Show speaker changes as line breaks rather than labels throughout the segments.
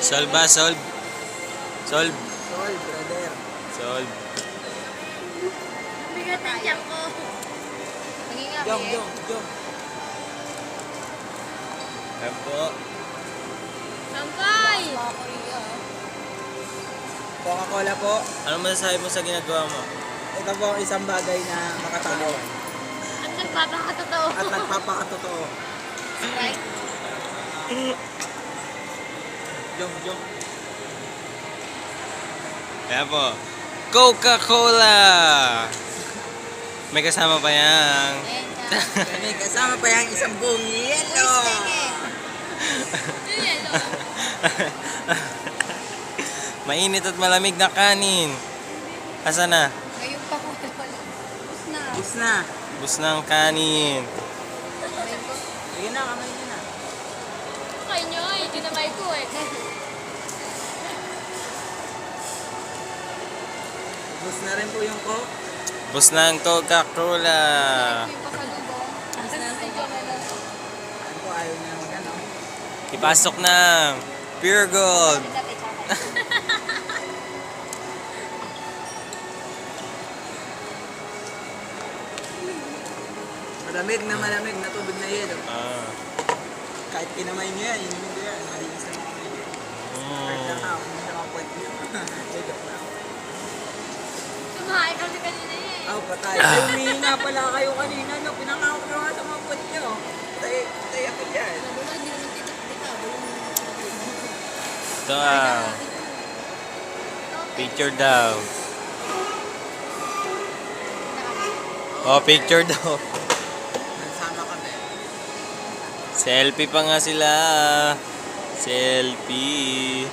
Solve ba? Solve? Solve?
Solve, brother.
Solve.
Bigat ng tiyak ko. Maging
Jong, jong, jong.
Ayan po.
Sampay!
Coca-Cola po.
Ano masasabi mo sa ginagawa mo?
Ito po ang isang bagay na makatao.
At nagpapakatotoo.
At nagpapakatotoo.
Right?
Jong, jong.
Ayan po. Coca-Cola! May kasama pa yan.
May kasama pa yung isang buong yelo.
Mainit at malamig na kanin. Asa na?
Ngayon pa ko. Bus na.
Bus na.
Bus ng kanin.
Sige na, kamay nyo na.
Kaya nyo eh. Ginamay ko eh.
Bus na rin po yung Coke.
Bus ng Coca-Cola.
Yung pasalubong. Bus na ang Coca-Cola.
Ano po, ayaw niya mag-ano.
Ipasok na. Pure gold.
Malamig na tubig na yelo.
Ah.
Kahit kinamay nyo yan, inumin nyo yan. Malinis na yung tubig. Kahit lang ako, hindi na mga point nyo. Joke lang.
Kumain kami kanina eh.
Oh, patay. Ay, humihingi nga pala kayo kanina, no? Pinangako ko nga sa mga point nyo. Tay ako dyan.
Nalulad, hindi naman titik-tikabal.
Ito picture daw. Oh, picture daw.
Nagsama kami.
Selfie pa nga sila. Selfie.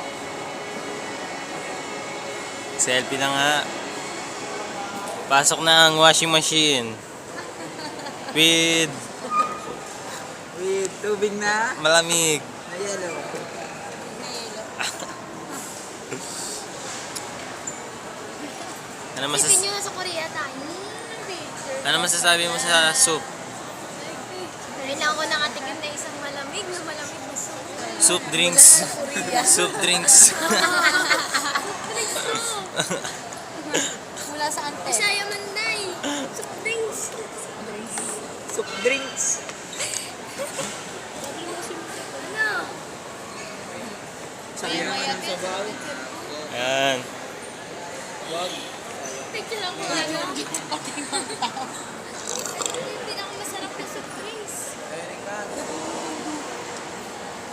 Selfie na nga. Pasok na ang washing machine. With
With tubig na
malamig.
na yelo.
Ano
Isipin nyo sa Korea tayo.
ano masasabi mo sa soup?
Kailangan ko nakatigil na isang malamig na soup.
Soup drinks. Soup drinks.
Mula sa ante. Bisaya Manday. Soup drinks.
Soup drinks.
Ano?
Sabi naman ng sabaw.
Ayan.
Wag.
Picture lang ko ano.